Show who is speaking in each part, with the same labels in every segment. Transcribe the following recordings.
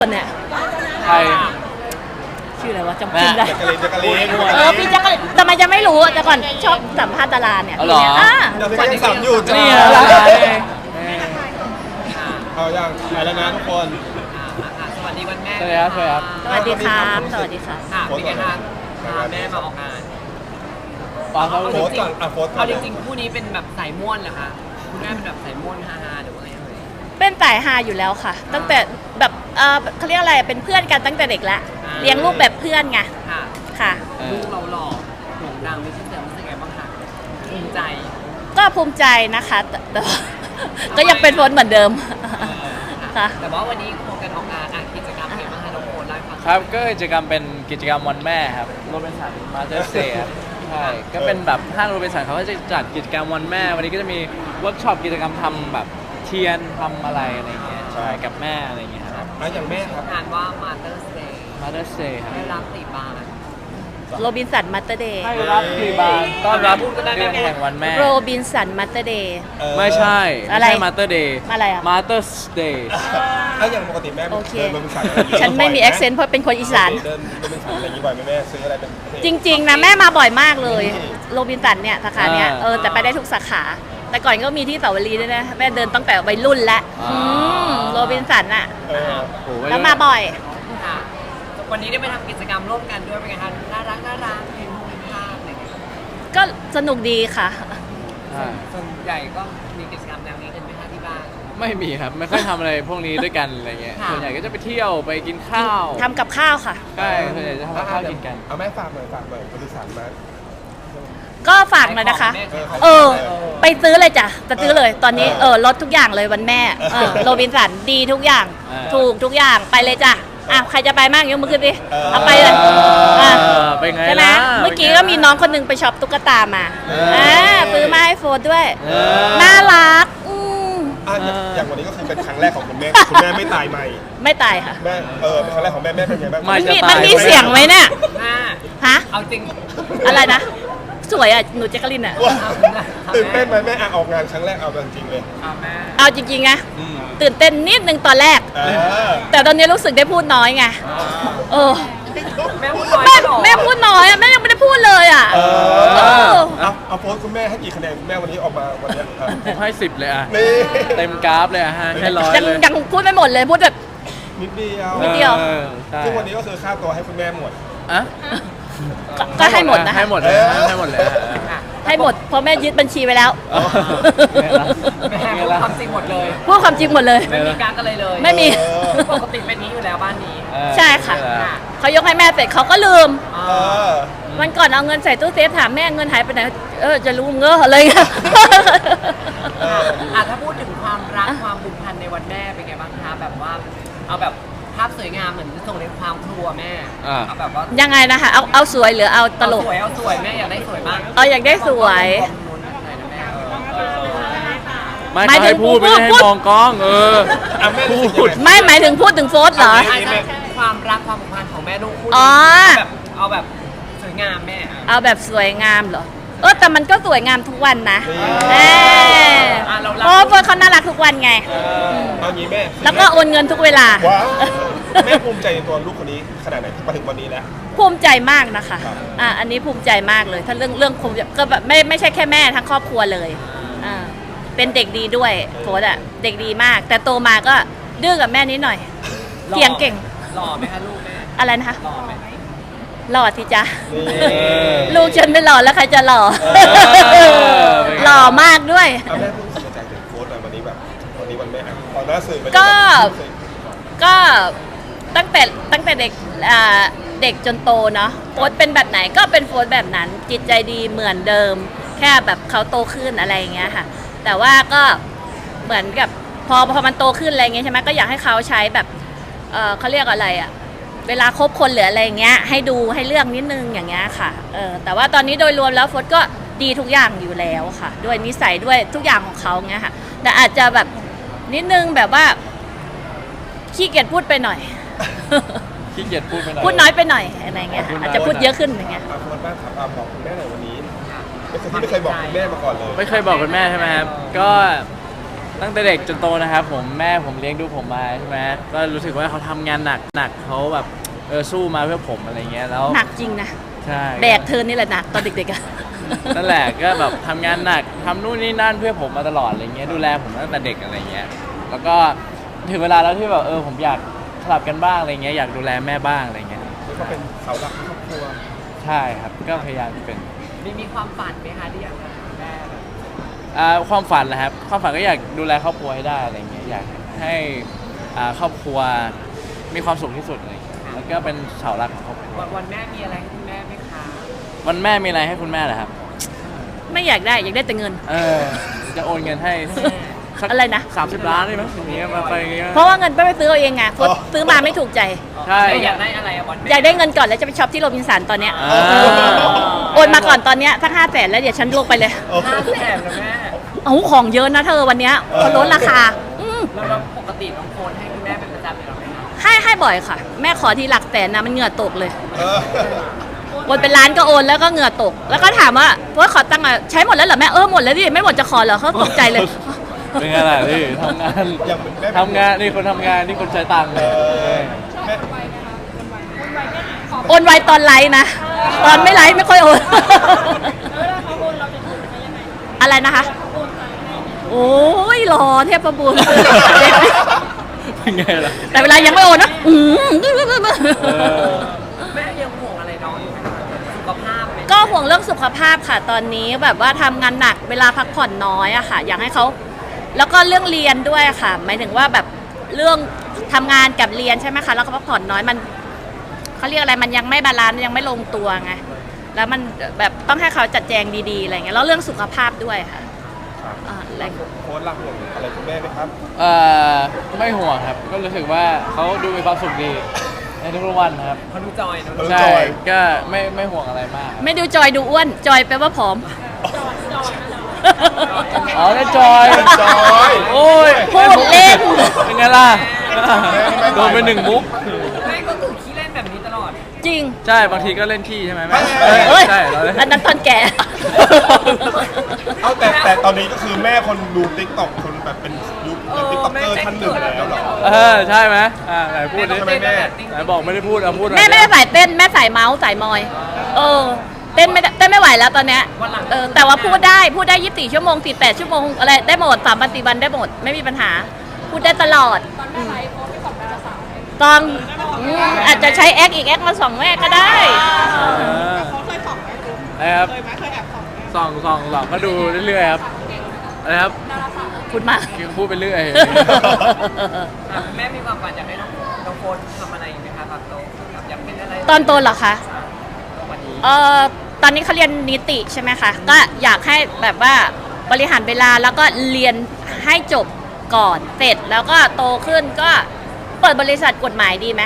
Speaker 1: เนี่ย
Speaker 2: ใคร
Speaker 1: ชื่ออะไรวะจำชื่อได้
Speaker 3: แจ็คกะลีน
Speaker 1: พี่แจ๊กก็ทำไมจะไม่รู้แต่ก่อนชอบสัมภาษณ์ดาราเนี่ย
Speaker 2: อ๋อเหรอ
Speaker 3: เดี๋ยวพี่ก็ยังสับอยู่จ้า
Speaker 2: นี่อะไร
Speaker 3: เอาอย่างไปแล้วนะทุกคน
Speaker 4: สวัสดีวันแม่
Speaker 2: สวัสดีครับ
Speaker 1: สวัสดีครับสวัสดีครับ
Speaker 4: ค่ะเป็นไงคะพาแม่มาออกงาน
Speaker 2: ฟังเขา
Speaker 3: โพสต์ก่อนโพสต์ก่อ
Speaker 4: เอา
Speaker 3: น
Speaker 4: จริงๆคู่นี้เป็นแบบสายม่วนเหรอคะคุณแม่เป็นแบบสายม่วนฮาๆหรือว่าไงเอ่ย
Speaker 1: เป็นสายฮาอยู่แล้วค่ะ ตั้งแต่แบบเขาเรียกอะไรเป็นเพื่อนกันตั้งแต่เด็กแล้วเลี้ยงลูกแบบเพื่อนไง
Speaker 4: ค่ะ
Speaker 1: ค่ะ
Speaker 4: ลูกเราหล่อโด่งดังมีชื่อเสียงรู้สึกไงบ้างคะภูมิใจ
Speaker 1: ก็ภูมิใจนะคะแต่ว่าก็ยังเป็นโฟนเหมือนเดิมค่ะ
Speaker 4: แต่ว่าวันนี้โครงการออกงานกิจกรรมเป็นไงบ้างคะน้องโฟนไลฟ์ฟัง
Speaker 2: ครับก็กิจกรรมเป็นกิจกรรมวันแม่ครับโรบินสันมาสเตอร์เซย์ใช่ก็เป็นแบบห้างโรบินสันเขาก็จะจัดกิจกรรมวันแม่ วันนี้ก็จะมีเวิร์กช็อปกิจกรรมทำแบบเทียนทำอะไรอะไรเงี้ยใช่กับแม่อะไรเงี้ยครับ
Speaker 3: แล้วอย่างแม่ครับ
Speaker 4: งานว่า Mother's Day
Speaker 2: มาสเตอร์เซย์ครับ
Speaker 4: ได้รับตีบาน
Speaker 1: โรบินสันมัตเตอร์เดย์
Speaker 2: ให้รับที่บ้านต้อนรับเดือนแห่งวันแม่
Speaker 1: โรบินสันมัตเตอร์เดย์
Speaker 2: ไม่ใช่
Speaker 1: อะไร
Speaker 2: มาสเตอร์เดย์
Speaker 1: อะไรอะ
Speaker 2: มาสเตอร์เดย์
Speaker 3: แล้วอย่างปกติแม่
Speaker 1: โอเค
Speaker 3: เดินบริษัทอะไรอย่างงี้
Speaker 1: ฉันไม่มีแอคเซนต์เพราะเป็นคนอีสาน
Speaker 3: เดินบริษัทอะไรอย่างงี้บ่อยไหมแม่ซื้ออะไรเป็น
Speaker 1: จริงๆนะแม่มาบ่อยมากเลยโรบินสันเนี่ยสาขาเนี่ยแต่ไปได้ทุกสาขา แต่ก่อนก็มีที่เสาวรีด้วยนะแม่เดินตั้งแต่วัยรุ่นแล้วโรบินสันอ่ะ
Speaker 3: เออ
Speaker 2: โอ้โห
Speaker 1: แล้วมาบ่อย
Speaker 4: ค่ะวันนี้ได้ไปทำกิจกรรมร่วมกันด้วยเป็นไงคะน่ารักเห็นมุมภาพอะไรอย่างเงี้ย
Speaker 1: ก็สนุกดีค่ะ
Speaker 2: ใช่
Speaker 4: ส่วนใหญ่ก็มีกิจกรรมแนวนี้กันไหมคะที่บ้าน
Speaker 2: ไม่มีครับไม่ค่อยทำอะไรพวกนี้ด้วยกันอะไรเงี้ย
Speaker 4: ค่ะ
Speaker 2: ส่วนใหญ่ก็จะไปเที่ยวไปกินข้าว
Speaker 1: ทำกับข้าวค่ะ
Speaker 2: ใช่ส่วนใหญ่จะทำกับข้าวกินกัน
Speaker 3: เอาแม่ฝากหน่อยบริษัทมา
Speaker 1: ก็ฝากหน่อยนะคะ
Speaker 4: แม่ขายของ
Speaker 1: เออ ไปซื้อเลยจ้ะจะซื้อเลย ตอนนี้ลดทุกอย่างเลยวันแม่โรบินสันดีทุกอย่าง ถูกทุกอย่างไปเลยจ้ะใครจะไปมั่งยกมือขึ้นดิเอาไปเลย
Speaker 2: เป็นไง
Speaker 1: ใช่ไหม
Speaker 2: ล่ะ
Speaker 1: เมื่อกี้ก็มีน้องคนหนึงไปช็อปตุ๊กตามาซื้อมาให้โฟนด้วย น่ารัก
Speaker 3: อย่างวันนี้ก็คือเป็นครั้งแรกของคุณแม่ไม่ตายใหม่
Speaker 1: ไม่ตายค่ะ
Speaker 3: แม่เป็นครั้งแรกของแม่เป็นไงบ้าง
Speaker 2: ไม่
Speaker 1: มันมีเสียงไหมเนี่ย
Speaker 4: ห้า
Speaker 1: ฮะ
Speaker 4: เอาจริง
Speaker 1: อะไรนะ สวยอ่ะ หนูแจ๊กกะลินอ่ะ
Speaker 3: ว้าตื่นเต้นไหมแม่ออกงานครั้งแรกเอาจริงเลย
Speaker 4: เอาแม่
Speaker 1: เอาจริงๆนะตื่นเต้นนิดนึงตอนแรก แต่ตอนนี้รู้สึกได้พูดน้อยไงเออ
Speaker 4: แม่พูดน้อย
Speaker 1: แม่พูดน้อยอ่ะแม่ยังไม่ได้พูดเลยอ่ะอ
Speaker 3: เอาโพสต์คุณแม่ให้กี่คะแนนคุณแม่วันนี้ออกมาวันนี้
Speaker 2: ผมให้10เลยอ่ะ
Speaker 3: นี่
Speaker 2: เต็มกราฟเลยอ่ะฮะให้ร้อย
Speaker 1: ยัง
Speaker 2: เลย
Speaker 1: ยังพูดไม่หมดเลยพูดแบบ
Speaker 3: นิดเดียว
Speaker 1: นิดเดียว
Speaker 2: ใช่
Speaker 3: ซึ่งวันนี้ก็คือค่าตัวให้คุณแม่หมด
Speaker 2: อ่ะ
Speaker 1: ก็ให้หมดนะ
Speaker 2: ให้หมดเลยให้หมดเลย
Speaker 1: ให้หมดเพราะแม่ยึดบัญชีไว้แล้ว
Speaker 4: แม่พูดความจริงหมดเลย
Speaker 1: พูดความจริงหมดเลย
Speaker 4: ไม่มีการกันเลยเลย
Speaker 1: ไม่มี
Speaker 4: ปกติเป็นนี้อยู่แล้วบ้านนี้
Speaker 1: ใช่ค่ะ เขายกให้แม่เสร็จเขาก็ลืม วันก่อนเอาเงินใส่ตู้เซฟถามแม่เงินหายไปไหนจะรู้เงอะอะไรเงี้ย
Speaker 4: ถ้าพูดถึงความรักความผูกพันในวันแม่เป็นไงบ้างคะแบบว่าเอาแบบภาพสวยงามเหมือนส่งในความครัวแม่เอาแบบว่า
Speaker 1: ยังไงนะคะเอาสวยหรือเอาตลก
Speaker 4: เอาสวยแม่อยากได้สวยมาก
Speaker 1: อยากได้สวย
Speaker 2: ไม่เขาให้พูดไม่ได้ให้มองกล้องพูด
Speaker 1: ไม่หมายถึงพูดถึงโฟสเหรอ
Speaker 4: ความรักความผูกพันของแม่ลูกคู่
Speaker 1: อ๋อ
Speaker 4: แบบเอาแบบสวยงามแม่
Speaker 1: เอาแบบสวยงามเหรอแต่มันก็สวยงามทุกวันนะเพราะว่าเขาน่ารักทุกวันไง
Speaker 3: เอางี้แม่
Speaker 1: แล้วก็โอนเงินทุกเวลา
Speaker 3: ว้าวแม่ภูมิใจในตัวลูกคนนี้ขนาดไหนที่มาถึงวันนี้แล้ว
Speaker 1: ภูมิใจมากนะคะอันนี้ภูมิใจมากเลย ถ้าเรื่องภูมิใจก็แบบไม่ใช่แค่แม่ทั้งครอบครัวเลยเป็นเด็กดีด้วยโฟดอะเด็กดีมาก แต่โตมาก็ดื้อกับแม่นิดหน่อยเถียงเก่ง
Speaker 4: หล่อไหมคะลูกแม่
Speaker 1: อะไรนะคะ
Speaker 4: หล่อไหม
Speaker 1: หล่อสิจ๊ะลูกฉันไม่หล่อแล้วใครจะหล่อหล่อมากด้วย
Speaker 3: เอาแม่พูดสนใจถึงโค้ดหน่อยวันนี้แบบวันนี้วันแม่ตอนหน้าสื่อ
Speaker 1: ก็ตั้งแต่เด็กเด็กจนโตเนาะโฟสเป็นแบบไหนก็เป็นโฟสแบบนั้น จิตใจดีเหมือนเดิม แค่แบบเขาโตขึ้นอะไรอย่างเงี้ยค่ะ แต่ว่าก็เหมือนกับพอมันโตขึ้นอะไรเงี้ยใช่ไหมก็อยากให้เขาใช้แบบเขาเรียกอะไรอะเวลาคบคนหรืออะไรเงี้ยให้ดูให้เลือกนิดนึงอย่างเงี้ยค่ะแต่ว่าตอนนี้โดยรวมแล้วโฟสก็ดีทุกอย่างอยู่แล้วค่ะ ด้วยนิสัยด้วยทุกอย่างของเขาเงี้ยค่ะแต่อาจจะแบบนิดนึงแบบว่าขี้เกียจพูดไปหน่อย
Speaker 2: ขี้เกียจพูดไปหน่อย
Speaker 1: พูดน้อยไปหน่อยอะไรเงี้ยค่ะอาจจะพูดเยอะขึ้นอย่างเงี้ย
Speaker 3: โค้ดบ้างครับบอกคุณแม่หน่อยวันนี้เป็นคนที่ไม่เคยบอกคุณแม่มาก่อนเลย
Speaker 2: ไม่เคยบอกคุณแม่ใช่ไหมครับก็ตั้งแต่เด็กจนโตนะครับผมแม่ผมเลี้ยงดูผมมาใช่ไหมก็รู้สึกว่าเขาทำงานหนักเขาแบบสู้มาเพื่อผมอะไรเงี้ยแล้ว
Speaker 1: หนักจริงนะ
Speaker 2: ใช่
Speaker 1: แบกเธอนี่แหละหนักตอนเด็กๆอะ
Speaker 2: นั่นแหละก็แบบทำงานหนักทำนู่นนี่นั่นเพื่อผมมาตลอดอะไรเงี้ยดูแลผมตั้งแต่เด็กอะไรเงี้ยแล้วก็ถึงเวลาแล้วที่แบบผมอยากสลับกันบ้างอะไรเงี้ยอยากดูแลแม่บ้างอะไรเงี้ย
Speaker 3: นี่ก็เป็นเสาหลักของครอบครัว
Speaker 2: ใช่ครับก็พยายามจะเป็น
Speaker 4: มีความฝันไหมคะที่อยากจะเป็นแม่แบบ
Speaker 2: ความฝันนะครับความฝันก็อยากดูแลครอบครัวให้ได้อะไรเงี้ยอยากให้ครอบครัวมีความสุขที่สุดอะไรเงี้ยแล้วก็เป็นเสาหลักของครอบครัว
Speaker 4: วันแม่มีอะไรให้คุณแม่ไหมคะ
Speaker 2: วันแม่มีอะไรให้คุณแม่เหรอครับ
Speaker 1: ไม่อยากได้แต่เงิน
Speaker 2: จะโอนเงินให้สัก
Speaker 1: อะไรนะ
Speaker 2: 30 ล้านได้ไหมอย่างเงี้ยมาไปอย่างเงี้ย
Speaker 1: เพราะว่าเงินไปซื้อเอาเองไงโฟสซื้อมาไม่ถูกใจ
Speaker 2: ใช่
Speaker 4: อยากได้อะไรอะวันแม่
Speaker 1: อยากได้เงินก่อนแล้วจะไปช็อปที่โรบินสันตอนเนี้ย
Speaker 2: อ่า
Speaker 1: โอนมาก่อนตอนเนี้ยสัก500,000แล้วเดี๋ยวฉันลงไปเลย
Speaker 3: โอ้โห
Speaker 4: 500,000นะแม่
Speaker 1: เอาของเยอะนะเธอวันเนี้ยเขาลดราคา
Speaker 4: แล้วปกติน้องโฟนให้คุณแม่เป็นประจำอยู่แล้วไหมคะ
Speaker 1: ให้บ่อยค่ะ แม่ขอทีหลักแสนนะมันเหงื่อตกเลย
Speaker 3: เออ
Speaker 1: โอนเป็นล้านก็โอนแล้วก็เหงื่อตก แล้วก็ถามว่าโฟสขอตังค์ใช้หมดแล้วเหรอแม่หมดแล้วดิไม่หมดจะขอเหรอเขาตกใจเลย
Speaker 2: เป็นไงล่ะนี่ทำงาน
Speaker 3: อย่างเหมือนแม่
Speaker 2: ทำงานนี่คนทำงานนี่คนใช้ตังค์
Speaker 3: เออแม่
Speaker 1: โอนไวตอนไลฟ์นะ ตอนไม่ไลฟ์ไม่ค่อยโอน อะไรนะคะ โอ้ยรอเทพบุตร
Speaker 2: เป็นไงล่ะ
Speaker 1: แต่เวลายังไม่โอนนะ
Speaker 4: แม่ยังห่วงอะไรน้องอยู่ไหมคะสุขภาพไหม
Speaker 1: ก็ห่วงเรื่องสุขภาพค่ะตอนนี้แบบว่าทำงานหนักเวลาพักผ่อนน้อยอะค่ะ อยากให้เขาแล้วก็เรื่องเรียนด้วยค่ะหมายถึงว่าแบบเรื่องทำงานกับเรียนใช่ไหมคะแล้วก็พักผ่อนน้อยมันเขาเรียกอะไรมันยังไม่บาลานซ์ยังไม่ลงตัวไงแล้วมันแบบต้องให้เขาจัดแจงดีๆอะไรเงี้ยแล้วเรื่องสุขภาพด้วยค่ะอะไร
Speaker 3: โค้ชรักห่วงอะไรคุณแม่ไหมครับ
Speaker 2: ไม่ห่วงครับ ก็รู้สึกว่าเขาดูมีความสุขดีในทุกๆวันครับ
Speaker 4: เขาดูจอยเนอะ
Speaker 3: เขาดู
Speaker 2: ใช่
Speaker 3: จอย
Speaker 2: ก็ไม่ห่วงอะไรมากครับ
Speaker 1: ไม่ดูจอยดูอ้วนจอยแปลว่าผอม
Speaker 2: อ๋อได้จอย
Speaker 3: จอย
Speaker 2: โอ้ย
Speaker 1: พูดเล่น
Speaker 2: เป็นไงล่ะโดนไปหนึ่งมุก
Speaker 4: แม่ก็คือขี้เล่นแบบนี้ตลอด
Speaker 1: จริง
Speaker 2: ใช่บางทีก็เล่นขี้ใช่ไหมแม่
Speaker 1: เฮ้ย
Speaker 2: ใช่เราเล่น
Speaker 1: อันนั้นตอนแก่
Speaker 3: เอาแต่ตอนนี้ก็คือแม่คนดูติ๊กต็อกคนแบบเป็นยุคติ๊กต็อกเกอร์ท่านหนึ่งแล้วเหรอ
Speaker 2: ใช่ไหมไหนพูดดิ
Speaker 3: ทำไมแม่
Speaker 2: ไหนบอกไม่ได้พูดเอาพูดหน่อย
Speaker 1: แม่ไม่ได้สายเต้นแม่สายเมาส์สายมอย เต้นไม่ไหวแล้วตอนเนี้ยแต่ว่าพูดได้24 ชั่วโมง48 ชั่วโมงอะไรได้หมด3 วัน 4 วันได้หมดไม่มีปัญหา พูดได้ตลอดตอนอาจจะใช้แอคอีกแอคมาส่องแม่ก็ได้
Speaker 2: นะครับส่องก็ดูเรื่อยๆครับนะครับ
Speaker 1: พูดมาก
Speaker 2: พูดไปเรื่อย
Speaker 4: แม่มีความฝันอยากให้น้องโฟนทำอะไรอีกไหมคะตอนโตแบบอยากเป็นอะไร
Speaker 1: ตอนโตเหรอคะ
Speaker 4: วันนี้
Speaker 1: ตอนนี้เขาเรียนนิติใช่ไหมคะ ก็อยากให้แบบว่าบริหารเวลาแล้วก็เรียนให้จบก่อนเสร็จแล้วก็โตขึ้นก็เปิดบริษัทกฎหมายดีไหม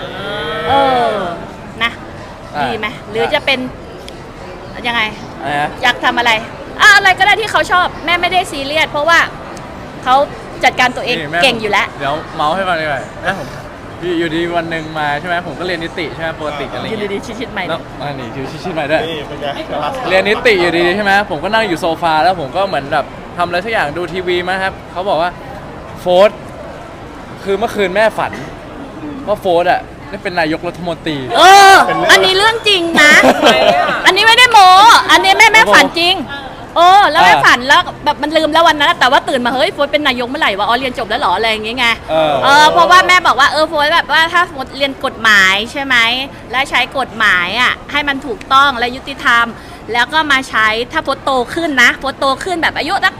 Speaker 1: นะ ดีไหมหรือจะเป็นยังไง
Speaker 2: อะไรนะ
Speaker 1: อยากทำอะไรอะไรก็ได้ที่เขาชอบแม่ไม่ได้ซีเรียสเพราะว่าเขาจัดการตัวเอง
Speaker 2: นี่แม่
Speaker 1: เก่งอยู่แล้ว
Speaker 2: เดี๋ยวเมาส์ให้ฟังดีกว่าแม่ผมอยู่ดีวันหนึ่งมาใช่ไหมผมก็เรียนนิติใช่ไหมปกติอะไร
Speaker 1: ยืน
Speaker 2: เงี้ย
Speaker 1: ดีๆชิดๆใหม่
Speaker 2: แล้วนี่คือชิดๆใหม่ด้วย
Speaker 3: นี่เป็นไง
Speaker 2: เรียนนิติอยู่ดีๆใช่ไหมผมก็นั่งอยู่โซฟาแล้วผมก็เหมือนแบบทำอะไรสักอย่างดูทีวีมาครับเขาบอกว่าโฟร์คือเมื่อคืนแม่ฝันว่าโฟร์ได้เป็นนายกรัฐมนตรี
Speaker 1: อันนี้เรื่องจริงนะ อันนี้ไม่ได้โมอันนี้แม่ฝันจริงแล้วแม่ฝันแล้วแบบมันลืมแล้ววันนั้นแต่ว่าตื่นมาเฮ้ยโฟร์เป็นนายกเมื่อไหร่วะเรียนจบแล้วเหรออะไรอย่างเงี้ยไงเพราะว่าแม่บอกว่าโฟร์แบบว่าถ้าโฟร์เรียนกฎหมายใช่ไหมและใช้กฎหมายอ่ะให้มันถูกต้องและยุติธรรม แล้วก็มาใช้ถ้าโฟร์โตขึ้นนะโฟร์โตขึ้นแบบอายุสัก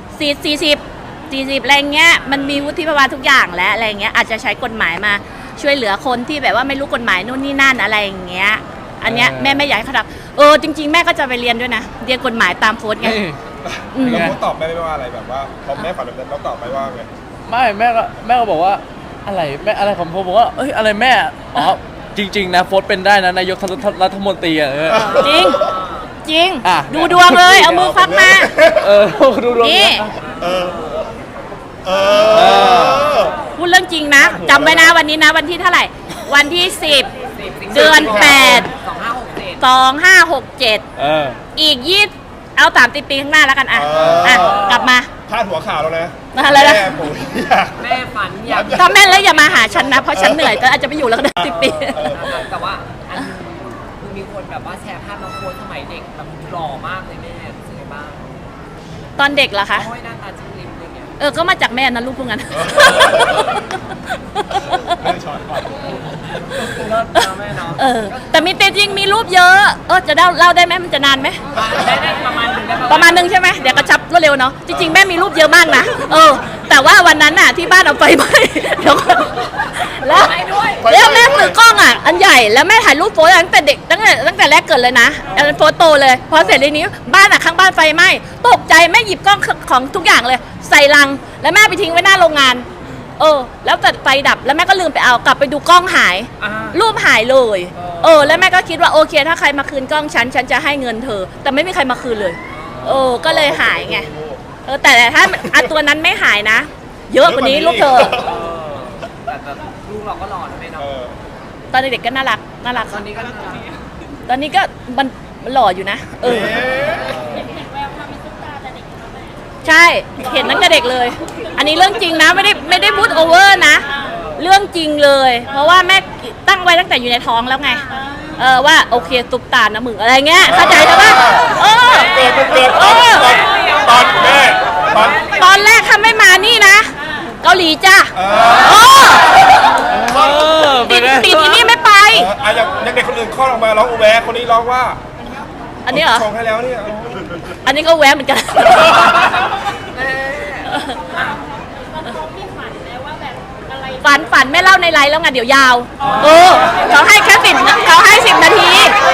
Speaker 1: 40อะไรเงี้ยมันมีวุฒิภาวะทุกอย่างแล้วอะไรเงี้ยอาจจะใช้กฎหมายมาช่วยเหลือคนที่แบบว่าไม่รู้กฎหมายนู่นนี่นั่นอะไรอย่างเงี้ยอันเนี้ยแม่ไม่อยากให้เขาทำจริงๆแม่ก็จะไปเรียนด้วยนะเรียนกฎหมายตามโฟร์ไง
Speaker 3: แล้วพูดตอบแม่ไม่ว่าอะไรแบบว่าพอแม่ฝันแบบนั้นเราตอบไปว่าไง
Speaker 2: ไม่แม่ก็บอกว่าอะไรแม่อะไรของผมบอกว่าเอ้ยอะไรแม่จริงๆนะโฟร์เป็นได้นะนายกรัฐมนตรี
Speaker 1: จริงจริง
Speaker 2: อ่ะ
Speaker 1: ดูดวงเลยเอามือฟักมา
Speaker 2: ดูดวง
Speaker 1: นี่ พูดเรื่องจริงนะจำไว้นะวันนี้นะวันที่เท่าไหร่ วันที่ 10 เดือน 8 2567อีก20เอา30 ปีข้างหน้าแล้วกันอ่ะกลับมา
Speaker 3: พาดหัวข่าวแล้วนะ
Speaker 1: อะไรนะ
Speaker 3: แม่ผมอยาก
Speaker 4: แม่ฝันอยาก
Speaker 1: ถ้าแม่แล้วอย่ามาหาฉันนะเพราะฉันเหนื่อยก็อาจจะไม่อยู่แล้วก็ได้10 ปี
Speaker 4: แต่ว่าอันนึงคือมีคนแบบว่าแชร์ภาพน้องโค้ชสมัยเด็กแบบหล่อมากเลยแม่รู้สึกไงบ้าง
Speaker 1: ตอนเด็กเหรอคะ
Speaker 4: โอ้ยหน้าตาจิ้มลิ้มอะไรเงี้ย
Speaker 1: ก็มาจากแม่นะลูกพวกนั้น
Speaker 3: แม่ช้อนก่อน
Speaker 4: เลิศนะแม่เนาะ
Speaker 1: แต่มีจริงมีรูปเยอะ จะเล่าได้ไหมมันจะนานไหม
Speaker 4: ได้ประมาณหนึงได้
Speaker 1: ประมาณนึงใช่ไหมเดี๋ยวกระชับรวดเร็วเนาะจริงๆแม่มีรูปเยอะมากนะแต่ว่าวันนั้นน่ะที่บ้านเอาไฟไหม้ เดี๋ยวก่อนแล้วแม่ซื้อกล้องอ่ะอันใหญ่แล้วแม่ถ่ายรูปโฟตั้งแต่เด็กตั้งแต่แรกเกิดเลยนะอันนั้นโฟโตเลยพอเสร็จเลยนี้บ้านอ่ะข้างบ้านไฟไหม้ตกใจแม่หยิบกล้องของทุกอย่างเลย ใส่ลังแล้วแม่ไปทิ้งไว้หน้าโรงงานแล้วแต่ไฟดับแล้วแม่ก็ลืมไปเอากลับไปดูกล้องหาย รูปหายเลยแล้วแม่ก็คิดว่าโอเคถ้าใครมาคืนกล้องฉันจะให้เงินเธอ แต่ไม่มีใครมาคืนเลยก็เลยหายไงแต่ถ้าตัวนั้นไม่หายนะ เยอะกว่านี้ลูกเธอ
Speaker 4: แต่แบบลูกเราก็หล่อนะแม่เนาะ
Speaker 1: ตอนเด็กๆก็น่ารักค่ะ
Speaker 4: ตอนนี้ก็น่ารัก
Speaker 1: ตอนนี้ก็มันหล่ออยู่นะใช่เห็นตั้งแต่เด็กเลย อันนี้เรื่องจริงนะไม่ได้พูดโอเวอร์นะ เรื่องจริงเลย เพราะว่าแม่ตั้งไว้ตั้งแต่อยู่ในท้องแล้วไงว่าโอเคตุกตานะมึงอะไรเงี้ยเข้าใจใช่ปะ
Speaker 3: เกิดตอนแม่
Speaker 1: ตอนแรกถ้าไม่มานี่นะเกาหลีจ้ะติดที่นี่ไม่ไป
Speaker 3: อย่างเด็กคนอื่นคลอดออกมาร้องอูแวคนนี้ร้องว่า
Speaker 1: อันนี้เหรอ
Speaker 3: ชงให้แล้วเนี่ย
Speaker 1: อันนี้ก็แวะเหมือนกัน ฝันไม่เล่าในไลน์แล้วไงเดี๋ยวยาวเขาให้แค่เขาให้10 นาที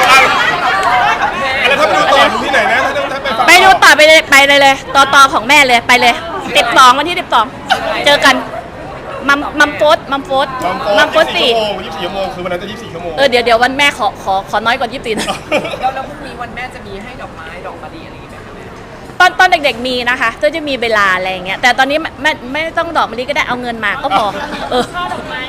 Speaker 3: แล้วถ้าไปดูต่อที่ไหนนะถ้าไปฟัง
Speaker 1: ไปดูต่อไปเลยต่อของแม่เลยไปเลย12วันที่12เจอกันมัมโฟส4
Speaker 3: 24 ชั่วโมงคือวันนั้นจะ24 ชั่วโมง
Speaker 1: เดี๋ยววันแม่ขอน้อยกว่า24นะ
Speaker 4: แล้วพรุ่งนี้วันแม่จะมีให้ดอกไม้ดอกมะลิอะไรอย่างเงี้ยไหมแม่
Speaker 1: ตอนเด็กๆมีนะคะจะมีเวลาอะไรอย่างเงี้ยแต่ตอนนี้ไม่ต้องดอกมะลิก็ได้เอาเงินมาก็พอช่อดอกไม้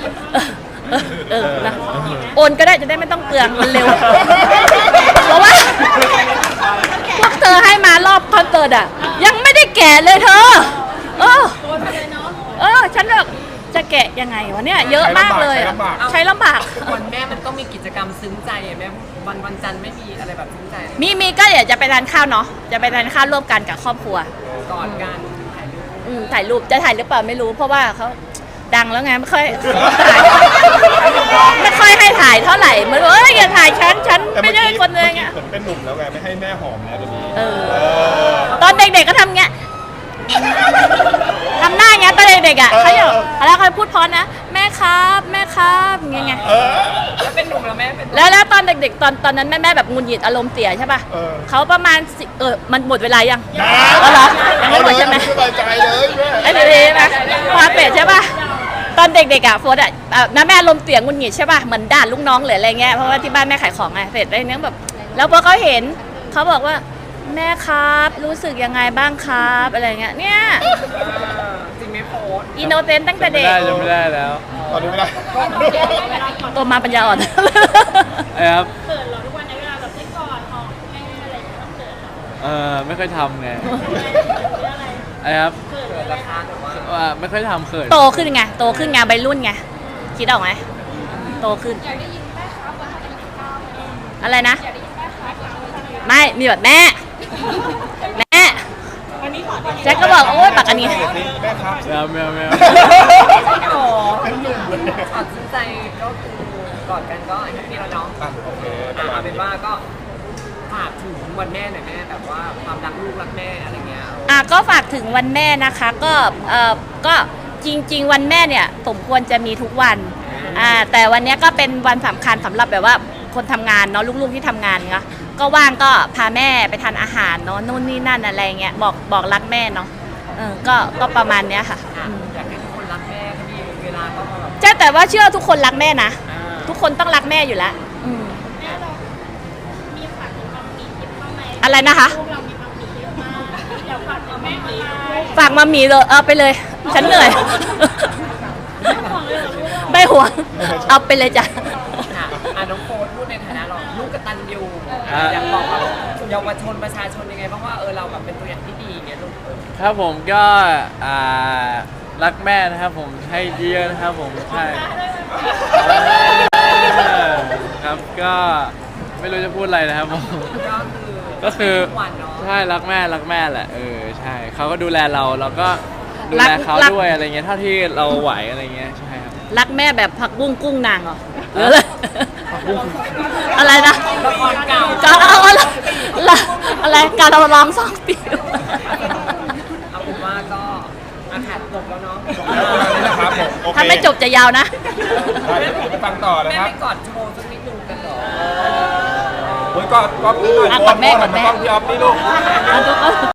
Speaker 1: นะโอนก็ได้จะได้ไม่ต้องเปลืองมันเร็ว เพราะว่าพวกเธอให้มารอบคอนเสิร์ตอ่ะยังไม่ได้แกะเลยเธอฉันแบบจะแกะยังไงวะเนี่ยเยอะมากเลยใช้ลำบาก
Speaker 4: วันแม่มันต้องมีกิจกรรมซึ้งใจอ่ะแม่วันจันทร์ไม่มีอะไรแบบซึ้งใจ
Speaker 1: มีก็เดี๋ยวจะไปทานข้าวเนาะจะไปทานข้าวร่วมกันกับครอบครัว
Speaker 4: ก่อนการถ่ายรูป
Speaker 1: ถ่ายรูปจะถ่ายหรือเปล่าไม่รู้เพราะว่าเขาดังแล้วไงไม่ค่อยถ่ายไม่ค่อยให้ถ่ายเท่าไหร่เหมือนอย่าถ่ายฉันไม่ได้คนเลยไง
Speaker 3: เหมือนเป็นหนุ่มแล้วไงไม่ให้แม่หอมแล้วเดี๋ยวนี้
Speaker 1: ตอนเด็กๆก็ทำเงี้ยทำหน้าเงี้ยตอนเด็กๆอ่ะเขาอยู่แล้วเขาพูดพอนะแม่ครับอย่างเงี้ย
Speaker 4: แล้วเป็นหนุ่มแล้วแม่เป็น
Speaker 1: แล้วตอนเด็กๆตอนนั้นแม่แบบงุนหงิดอารมณ์เสียใช่ป่ะเขาประมาณมันหมดเวลายังเหรอยังไม่หมดใช่ไหม
Speaker 3: สบายใจเลยแม่
Speaker 1: ไอ้เด็กๆนะพาเป็ดใช่ป่ะตอนเด็กๆอ่ะโฟร์อ่ะน้าแม่ลมเสียงงุนหงิดใช่ป่ะเหมือนด่าลูกน้องหรืออะไรเงี้ยเพราะว่าที่บ้านแม่ขายของไงเสร็จได้เนี้ยแบบแล้วพอเขาเห็นเขาบอกว่าแม่ครับรู้สึกยังไงบ้างครับอะไรเงี้ยเนี่ย
Speaker 4: จริงไหมโพส
Speaker 1: อินโนเซนต์ตั้งแต่เด็ก
Speaker 2: จำไม่ได้แล้ว
Speaker 3: ตอนนี้ไม่ได้
Speaker 1: ตัวมาปัญญาอ่อน
Speaker 2: ครับ
Speaker 5: เกิดเหรอทุกวันในเวลาแบบได้กอดหอมแม่อะไรอย่างเงี้ยต้องเกิดเหรอ
Speaker 2: ไม่ค่อยทำไง
Speaker 5: หรืออะไร
Speaker 2: ครับ
Speaker 5: เกิด
Speaker 4: เกิดราคาหรือว่า
Speaker 2: ไม่ค่อยทำเขิน
Speaker 1: โตขึ้นไงโตขึ้นไงวัยรุ่นไงคิดออกไหมโตขึ้น
Speaker 5: อยากได้ยินแม่ครับวันที่29
Speaker 1: อะไรนะ
Speaker 5: อยากได้ยินแม่ครับวันที่29
Speaker 1: ไม่มีแบบแม่แจ็คก็บอกโอ๊ยปากอันนี้
Speaker 3: แม่ครับ
Speaker 2: แมว
Speaker 4: โอ้
Speaker 3: เป็นหนุ่มเลย
Speaker 4: ตัดสินใจก็คือกอดกันก็แฮปปี้แล้วเนาะ
Speaker 3: โอเค
Speaker 4: เอาเป็นว่าก็ฝากถึงวันแม่หน่อยแม่แบบว่าความรักลูกรักแม่อะไรเงี้ย
Speaker 1: ก็ฝากถึงวันแม่นะคะก็จริงๆวันแม่เนี่ยสมควรจะมีทุกวันแต่วันนี้ก็เป็นวันสำคัญสำหรับแบบว่าคนทำงานเนาะลูกๆที่ทำงานเนาะก็ว่างก็พาแม่ไปทานอาหารเนาะนู่นนี่นั่นอะไรเงี้ยบอกรักแม่เนาะก็ประมาณเนี้ยค่ะ
Speaker 4: อยากให้ทุกคนรักแม่ก็มีเวลาก็มาแบบ
Speaker 1: ใช่แต่ว่าเชื่อทุกคนรักแม่นะทุกคนต้องรักแม่อยู่แล้ว
Speaker 5: แม่เรามีฝากถึงความหมีเยอะมากไหม
Speaker 1: อะไรนะคะ
Speaker 5: ลูกเรามีความหมีเยอะมากอยากฝากถึงแม่อะไร
Speaker 1: ฝากมามีเลยเอาไปเลย ฉันเหนื่อย ไม่ห่วงเอาไปเลยจ้ะ
Speaker 4: น้องโฟนพูดในฐานะเราลูกกตัญญูอยากบอกกับเยาวชนประชาชนยังไงบ้างว่าเราแบบเป็นตัวอย่างที่ดีอย่างเงี้ยลูก
Speaker 2: ครับผมก็รักแม่นะครับผมให้เยอะนะครับผมใช่ครับก็ไม่รู้จะพูดอะไรนะครับผม ก็คือ
Speaker 4: ทุกวันเนาะ
Speaker 2: ใช่รักแม่แหละใช่เขาก็ดูแลเราก็ดูแลเขาด้วยอะไรเงี้ยเท่าที่เราไหวอะไรเงี้ยใช่ครับ
Speaker 1: รักแม่แบบผักบุ้งกุ้งนางเหรอหรืออะไรอะไรนะ
Speaker 4: ละครเก่า
Speaker 1: การเอาอะไรการเราร้อง2 ปี
Speaker 4: เอาเป็นว่าก็อาขาดจบแล้วเนาะ
Speaker 3: จบแล้วประมาณนี้นะครับผมโอเค
Speaker 1: ถ้าไม่จบจะยาวนะ
Speaker 3: ได้เดี๋ยวไปฟังต่อนะ
Speaker 4: แม่
Speaker 3: ครับ
Speaker 4: ไม่กอดโชว์สักนิดนึงกันเหรอ
Speaker 3: โอ้ยกอดนี่หน่อย
Speaker 1: อ่ะกอดแม่กอดแม่
Speaker 3: กอดพี่ออฟนี่ลูก
Speaker 1: อ่ะ